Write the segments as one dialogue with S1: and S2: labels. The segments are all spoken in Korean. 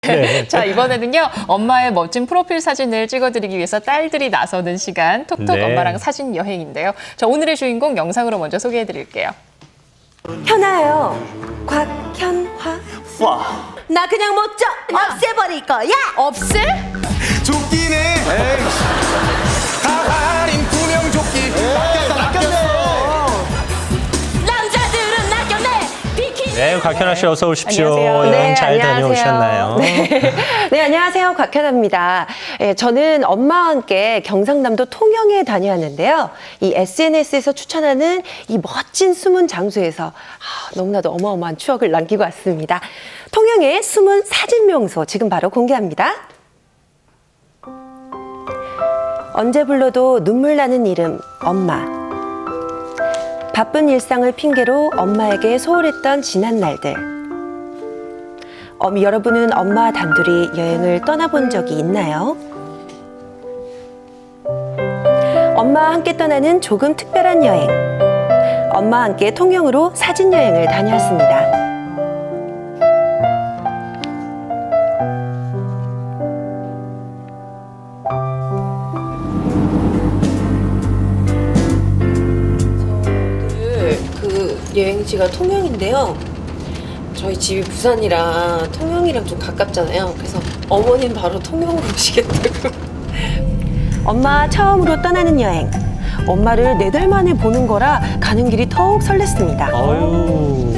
S1: 네.
S2: 자, 이번에는요, 엄마의 멋진 프로필 사진을 찍어드리기 위해서 딸들이 나서는 시간, 톡톡
S1: 네.
S2: 엄마랑 사진 여행인데요. 자, 오늘의 주인공 영상으로 먼저 소개해드릴게요.
S3: 현아요. 곽현화.
S4: 와.
S3: 나 그냥 못 져. 없애버릴 거야.
S2: 없애?
S4: 조끼네. 다할인 구명조끼. 낚였어.
S3: 남자들은 낚였네. 비키니.
S1: 네, 곽현아 씨 어서 오십시오.
S2: 안녕하세요.
S1: 여행 잘 다녀오셨나요?
S3: 네, 안녕하세요. 곽현아입니다. 저는 엄마와 함께 경상남도 통영에 다녀왔는데요. 이 SNS에서 추천하는 이 멋진 숨은 장소에서 너무나도 어마어마한 추억을 남기고 왔습니다. 통영의 숨은 사진 명소 지금 바로 공개합니다. 언제 불러도 눈물 나는 이름, 엄마. 바쁜 일상을 핑계로 엄마에게 소홀했던 지난 날들. 여러분은 엄마와 단둘이 여행을 떠나본 적이 있나요? 엄마와 함께 떠나는 조금 특별한 여행. 엄마와 함께 통영으로 사진 여행을 다녀왔습니다. 그 여행지가 통영인데요. 저희 집이 부산이라 통영이랑 좀 가깝잖아요. 그래서 어머님 바로 통영으로 오시겠다고. 엄마 처음으로 떠나는 여행. 엄마를 4달 만에 보는 거라 가는 길이 더욱 설렜습니다.
S1: 어유.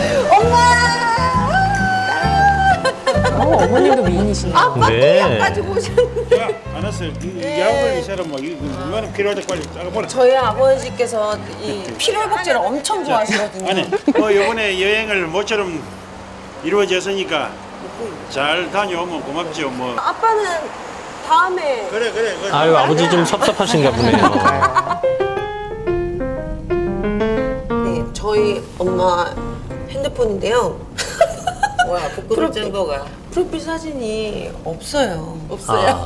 S2: 어머님도 미인이시네요.
S1: 네.
S3: 가지고 오셨는데.
S5: 야, 알았어. 이 약을 이 사람 뭐 이거는 필요할 때 빨리 짜가보라.
S3: 저희 아버지께서 이 필요회복제를 엄청 좋아하시거든요.
S5: 아니, 뭐 이번에 여행을 모처럼 이루어졌으니까 잘 다녀오면 고맙죠. 뭐
S3: 아빠는 다음에
S5: 그래.
S1: 아유, 아버지 좀 섭섭하신가 보네요.
S3: 네, 저희 엄마 핸드폰인데요.
S6: 뭐야, 부끄러운 정보가
S3: 프로필 사진이 없어요.
S6: 없어요.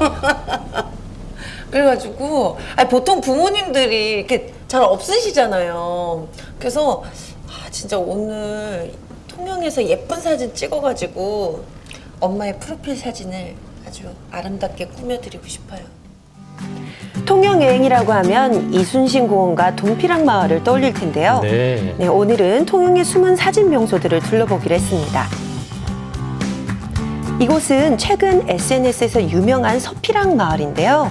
S3: 그래가지고 보통 부모님들이 이렇게 잘 없으시잖아요. 그래서 진짜 오늘 통영에서 예쁜 사진 찍어가지고 엄마의 프로필 사진을 아주 아름답게 꾸며드리고 싶어요. 통영 여행이라고 하면 이순신 공원과 돈피랑 마을을 떠올릴 텐데요.
S1: 네.
S3: 네, 오늘은 통영의 숨은 사진 명소들을 둘러보기로 했습니다. 이곳은 최근 SNS에서 유명한 서피랑 마을인데요.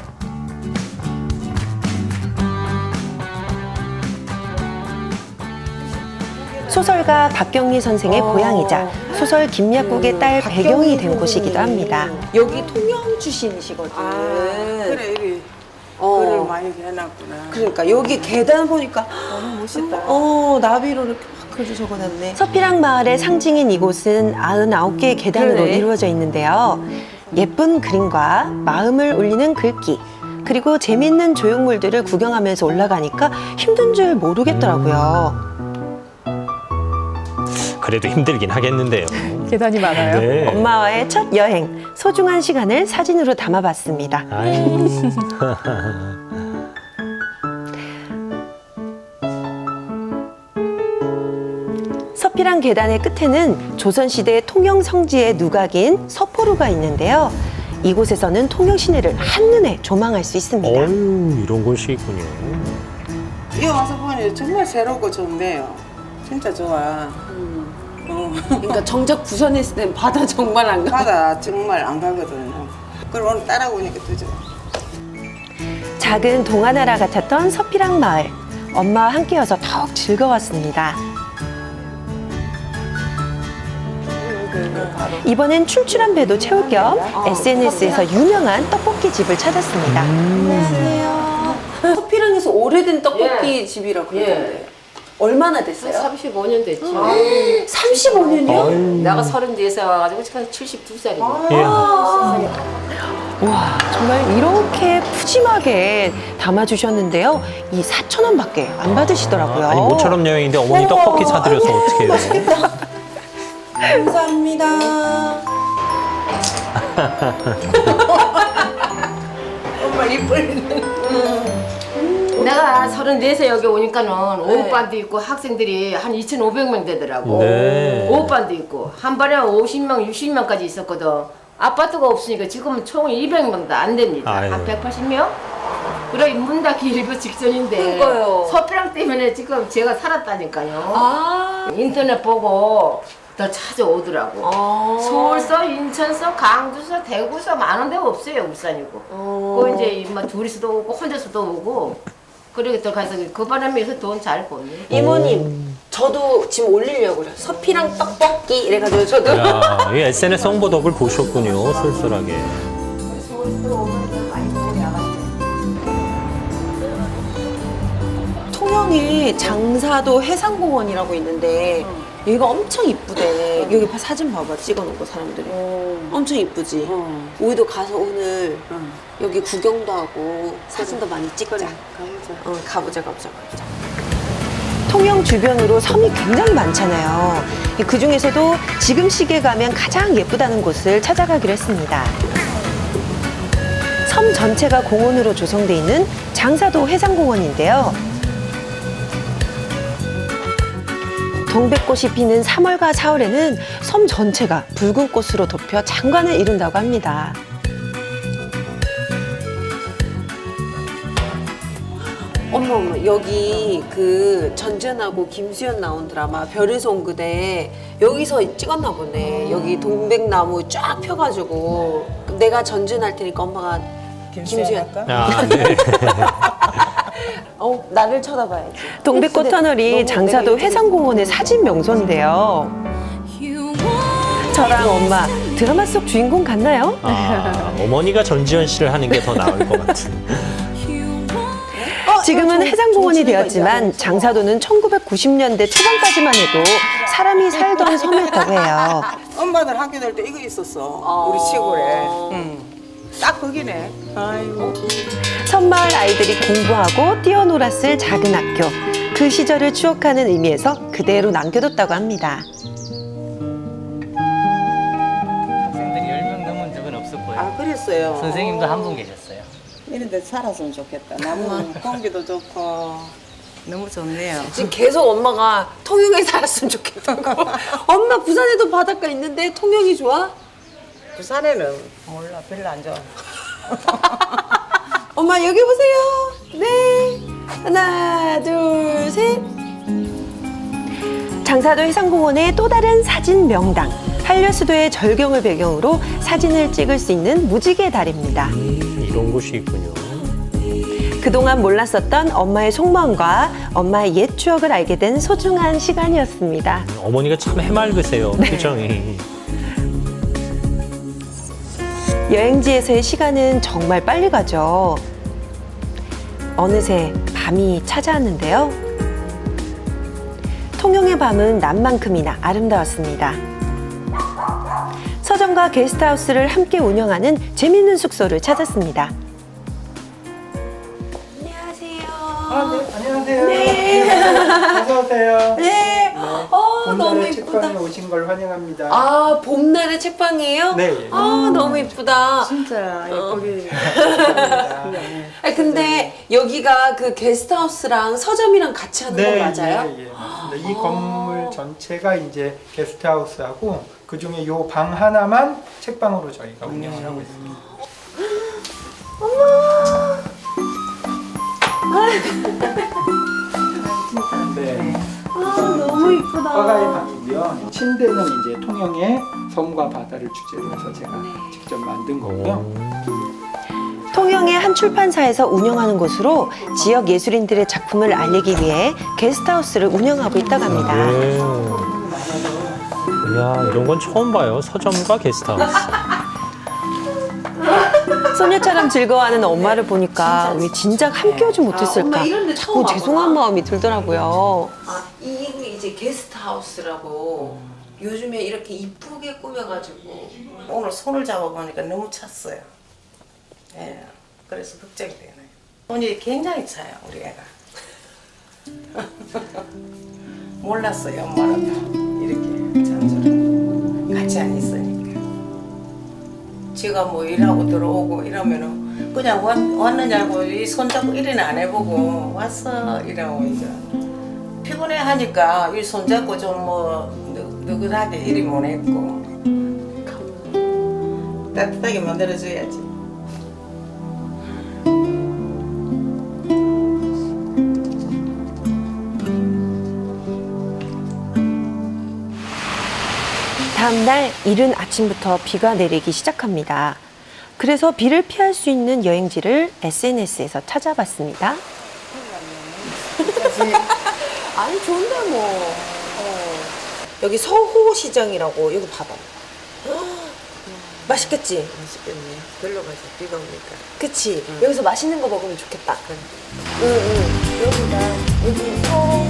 S3: 소설가 박경리 선생의 고향이자 소설 김약국의 딸 배경이 된 곳이기도 합니다. 여기 통영 출신이시거든요.
S6: 그래 여기
S3: 어.
S6: 글을 많이 해놨구나.
S3: 그러니까 여기 계단 보니까
S6: 너무 멋있다.
S3: 나비로 이렇게 막 글도 적어놨네. 서피랑 마을의 상징인 이곳은 99개의 계단으로 이루어져 있는데요. 예쁜 그림과 마음을 울리는 글귀, 그리고 재밌는 조형물들을 구경하면서 올라가니까 힘든 줄 모르겠더라고요.
S1: 그래도 힘들긴 하겠는데요.
S2: 계단이 많아요.
S1: 네.
S3: 엄마와의 첫 여행, 소중한 시간을 사진으로 담아봤습니다.
S1: 아유.
S3: 서피랑 계단의 끝에는 조선시대 통영 성지의 누각인 서포루가 있는데요. 이곳에서는 통영 시내를 한눈에 조망할 수 있습니다.
S1: 어유, 이런 곳이 있군요.
S6: 여기 와서 보니 정말 새롭고 좋네요. 진짜 좋아.
S3: 그러니까 정작 부산에 있을 땐 바다 정말 안 가.
S6: 바다 정말 안 가거든요. 그럼 오늘 따라오니까 또 좋아.
S3: 작은 동화나라 같았던 서피랑 마을. 엄마와 함께여서 더욱 즐거웠습니다. 이번엔 출출한 배도 채울 겸 SNS에서 유명한 떡볶이 집을 찾았습니다. 안녕하세요. 서피랑에서 오래된 떡볶이 집이라고 그러던데. 얼마나 됐어요?
S7: 35년 됐죠.
S3: 35년이요?
S7: 내가 34살 와가지고 지금 72살이고.
S1: 예.
S3: 와, 정말 이렇게 푸짐하게 담아주셨는데요. 이 4,000원밖에 안 받으시더라고요.
S1: 아니, 모처럼 여행인데 어머니 떡볶이 사드려서 어떡해요.
S3: 감사합니다.
S6: 정말 이쁘네.
S7: 내가 34세 여기 오니까는 오후반도 있고 학생들이 한 2,500명 되더라고.
S1: 네.
S7: 오후반도 있고 한 번에 50명, 60명까지 있었거든. 아파트가 없으니까 지금은 총 200명도 안 됩니다.
S1: 아유.
S7: 한 180명? 그래 문 닫기 일부 직전인데
S3: 그러니까요.
S7: 서피랑 때문에 지금 제가 살았다니까요.
S3: 아.
S7: 인터넷 보고 더 찾아오더라고. 서울서, 인천서, 강주서, 대구서 많은 데가 없어요. 울산이고. 그 이제 막 둘이서도 오고 혼자서도 오고. 그러게 들어가서 그 바람에서 돈 잘 버네.
S3: 이모님, 저도 지금 올리려고 그래요. 서피랑 떡볶이 이래가지고 저도.
S1: 야, 이 SNS 홍보덕을 보셨군요. 쏠쏠하게.
S3: 통영에 장사도 해상공원이라고 있는데 여기가 엄청 이쁘대. 여기 사진 봐봐, 찍어놓은 거 사람들이. 엄청 이쁘지? 우리도 가서 오늘 여기 구경도 하고 사진도 많이 찍자. 가보자. 통영 주변으로 섬이 굉장히 많잖아요. 그 중에서도 지금 시기에 가면 가장 예쁘다는 곳을 찾아가기로 했습니다. 섬 전체가 공원으로 조성돼 있는 장사도 해상공원인데요. 동백꽃이 피는 3월과 4월에는 섬 전체가 붉은 꽃으로 덮여 장관을 이룬다고 합니다. 어머, 여기 그 전전하고 김수현 나온 드라마 별에서 온 그대 여기서 찍었나 보네. 여기 동백나무 쫙 펴가지고 내가 전전할 테니까 엄마가 김수현.
S1: 아, 네.
S3: 나를 쳐다봐야지. 동백꽃 터널이 장사도 해상공원의 사진 명소인데요. 저랑 엄마 드라마 속 주인공 같나요?
S1: 아, 어머니가 전지현 씨를 하는 게 더 나을 것 같은.
S3: 지금은 해상공원이 되었지만 장사도는 1990년대 초반까지만 해도 사람이 살던 섬이었다고 해요.
S6: 엄마들 학교 다닐 때 이거 있었어. 우리 시골에. 딱 거기네. 아이고.
S3: 섬마을 아이들이 공부하고 뛰어놀았을 작은 학교. 그 시절을 추억하는 의미에서 그대로 남겨뒀다고 합니다.
S8: 학생들이 10명 넘은 적은 없었고요.
S6: 아, 그랬어요.
S8: 선생님도 한 분 계셨어요.
S6: 이런 데 살았으면 좋겠다. 나무 공기도 좋고. 너무 좋네요.
S3: 지금 계속 엄마가 통영에 살았으면 좋겠다고. 엄마 부산에도 바닷가 있는데 통영이 좋아?
S6: 부산에는 몰라, 별로 안 좋아.
S3: 엄마 여기 보세요. 네. 하나, 둘, 셋. 장사도 해상공원의 또 다른 사진 명당. 한려수도의 절경을 배경으로 사진을 찍을 수 있는 무지개 다리입니다.
S1: 이런 곳이 있군요.
S3: 그동안 몰랐었던 엄마의 속마음과 엄마의 옛 추억을 알게 된 소중한 시간이었습니다.
S1: 어머니가 참 해맑으세요. 표정이.
S3: 여행지에서의 시간은 정말 빨리 가죠. 어느새 밤이 찾아왔는데요. 통영의 밤은 낮만큼이나 아름다웠습니다. 서점과 게스트하우스를 함께 운영하는 재밌는 숙소를 찾았습니다. 안녕하세요.
S9: 안녕하세요.
S3: 네.
S9: 어서 오세요.
S3: 네. 너무
S9: 봄날의
S3: 이쁘다.
S9: 책방에 오신 걸 환영합니다.
S3: 아, 봄날의 책방이에요?
S9: 네.
S3: 너무 이쁘다.
S6: 진짜 예쁘게.
S3: 아니, 근데 여기가 그 게스트하우스랑 서점이랑 같이 하는 거 맞아요?
S9: 예, 맞습니다. 이 건물 전체가 이제 게스트하우스하고 그 중에 요 방 하나만 책방으로 저희가 운영을 하고 있습니다. 네.
S3: 너무 이쁘다.
S9: 화가의 방이고요. 침대는 이제 통영의 섬과 바다를 주제로 해서 제가 직접 만든 거고요.
S3: 통영의 한 출판사에서 운영하는 곳으로 지역 예술인들의 작품을 알리기 위해 게스트하우스를 운영하고 있다고 합니다.
S1: 네. 이야, 이런 건 처음 봐요. 서점과 게스트하우스.
S3: 소녀처럼 즐거워하는 엄마를 보니까 왜 진작 함께 오지 못했을까 자꾸 죄송한 마음이 들더라고요. 이게 이제 게스트하우스라고 요즘에 이렇게 이쁘게 꾸며가지고
S6: 오늘 손을 잡아보니까 너무 찼어요. 예, 그래서 걱정이 되네요. 손이 굉장히 차요, 우리 애가. 몰랐어요, 엄마는 이렇게 장소를 같이 안 있으니까. 제가 뭐 일하고 들어오고 이러면은 그냥 왔느냐고 이 손잡고 일이나 안 해보고 왔어 이러고 이제 피곤해 하니까 이 손잡고 좀 뭐 느긋하게 일이 못 했고 따뜻하게 만들어줘야지.
S3: 다음 날 이른 아침부터 비가 내리기 시작합니다. 그래서 비를 피할 수 있는 여행지를 SNS에서 찾아봤습니다. 아니 좋은데 뭐. 여기 서호시장이라고 여기 봐봐. 맛있겠지?
S6: 맛있겠네. 별로 가서 비가 오니까.
S3: 그치? 여기서 맛있는 거 먹으면 좋겠다. 여기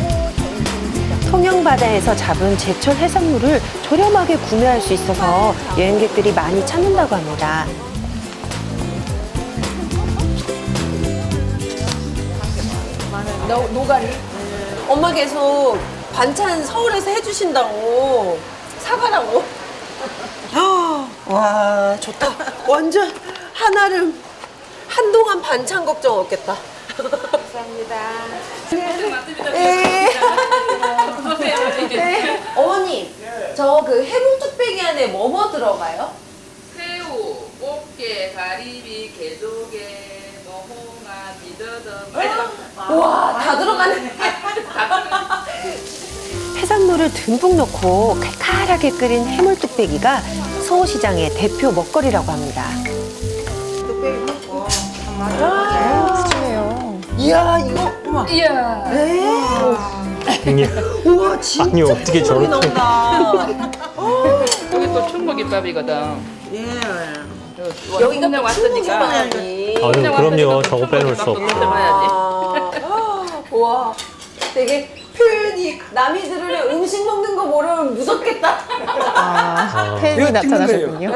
S3: 통영바다에서 잡은 제철 해산물을 저렴하게 구매할 수 있어서 여행객들이 많이 찾는다고 합니다. 노가리? 엄마 계속 반찬 서울에서 해주신다고 사가라고. 와 좋다. 완전 한아름 한동안 반찬 걱정 없겠다. 감사합니다. 네. 네. 어머니, 저 그 해물뚝배기 안에 뭐 들어가요?
S10: 새우, 꽃게, 가리비, 게조개, 노홍아, 비더덕.
S3: 와, 다 들어가네. 해산물을 듬뿍 넣고 칼칼하게 끓인 해물뚝배기가 서호시장의 대표 먹거리라고 합니다. 이야, 이거 우와.
S2: 이야.
S3: 네. 우와, 진짜
S1: 아니, 어떻게
S3: 소리
S1: 저렇게.
S3: 나온다.
S10: 여기 또 충무김밥이거든.
S6: 예.
S3: 여기가
S10: 그냥 왔으니까.
S3: 왔으니까.
S1: 아유, 그럼요. 저거 빼놓을 수 없죠.
S3: 와, 되게 표현이 남이 들으려 음식 먹는 거 모르면 무섭겠다.
S2: 팬이 나타나셨군요.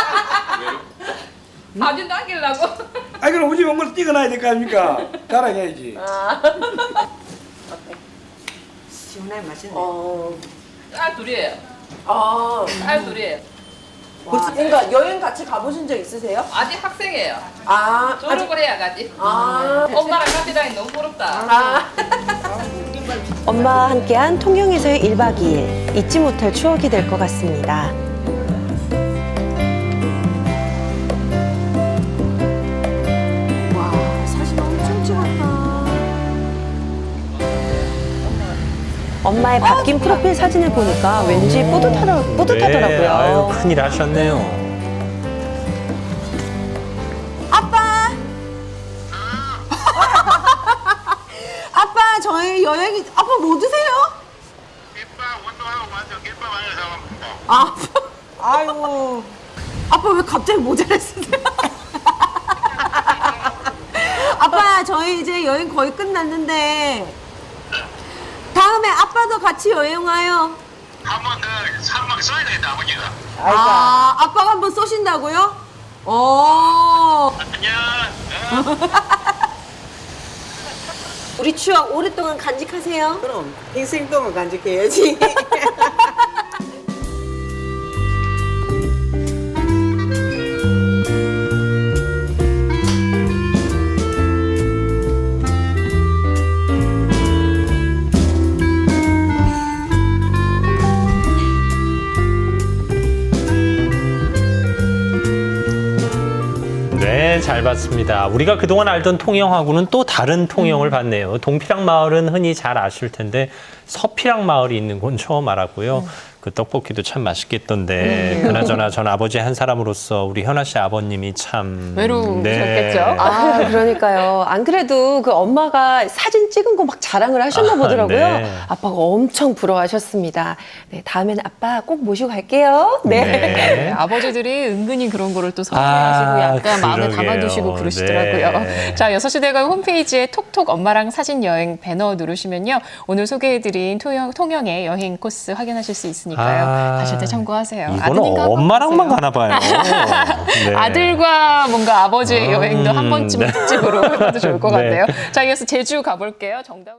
S10: 사진 남기려고.
S4: 아 그럼 우리 먹을 찍어놔야 될 거 아닙니까? 자랑해야지.
S6: 시원하게 맛있네.
S10: 딸 둘이에요.
S3: 아,
S10: 딸 둘이에요.
S3: 그러니까 여행 같이 가보신 적 있으세요?
S10: 아직 학생이에요.
S3: 아,
S10: 졸업을 해야 가지. 엄마랑 같이 다니 너무 부럽다.
S3: 엄마와 함께한 통영에서의 1박 2일 잊지 못할 추억이 될 것 같습니다. 와, 사진 엄청 찍었다. 엄마의 바뀐 프로필 사진을 보니까 왠지 뿌듯하더라고요.
S1: 네, 아유, 큰일 하셨네요.
S3: 아빠! 아빠, 저희 여행이, 아빠 뭐 드세요?
S5: 김밥 운동하고 완전 김밥 안에서
S3: 아, 아이고. 아빠 왜 갑자기 모자를 쓰세요? 아빠, 저희 이제 여행 거의 끝났는데, 다음에 아빠도 같이 여행 와요.
S5: 한번 더 사막 써야 되겠다 아버지가.
S3: 아, 아빠가 한번 쏘신다고요?
S5: 안녕.
S3: 우리 추억 오랫동안 간직하세요.
S6: 그럼 인생 동안 간직해야지.
S1: 네, 잘 봤습니다. 우리가 그동안 알던 통영하고는 또 다른 통영을 봤네요. 동피랑 마을은 흔히 잘 아실 텐데 서피랑 마을이 있는 곳 처음 알았고요. 그 떡볶이도 참 맛있겠던데 그나저나 전 아버지 한 사람으로서 우리 현아 씨 아버님이 참
S2: 외로우셨겠죠?
S3: 아, 그러니까요. 안 그래도 그 엄마가 사진 찍은 거 막 자랑을 하셨나 보더라고요.
S1: 네.
S3: 아빠가 엄청 부러워하셨습니다. 네, 다음에는 아빠 꼭 모시고 갈게요. 네.
S2: 네, 아버지들이 은근히 그런 거를 또 섭외하시고 약간 마음에
S1: 그러게요.
S2: 담아두시고 그러시더라고요.
S1: 네.
S2: 자, 6시 대가 홈페이지에 톡톡 엄마랑 사진 여행 배너 누르시면요. 오늘 소개해드린 통영의 여행 코스 확인하실 수 있으니까요. 가실 때 참고하세요.
S1: 이거는
S2: 아드님과 한번
S1: 엄마랑만
S2: 가보세요.
S1: 가나 봐요. 네.
S2: 아들과 뭔가 아버지의 여행도 한 번쯤
S1: 네.
S2: 특집으로 해봐도 좋을 것
S1: 네.
S2: 같네요. 자, 이어서 제주 가볼게요. 정답.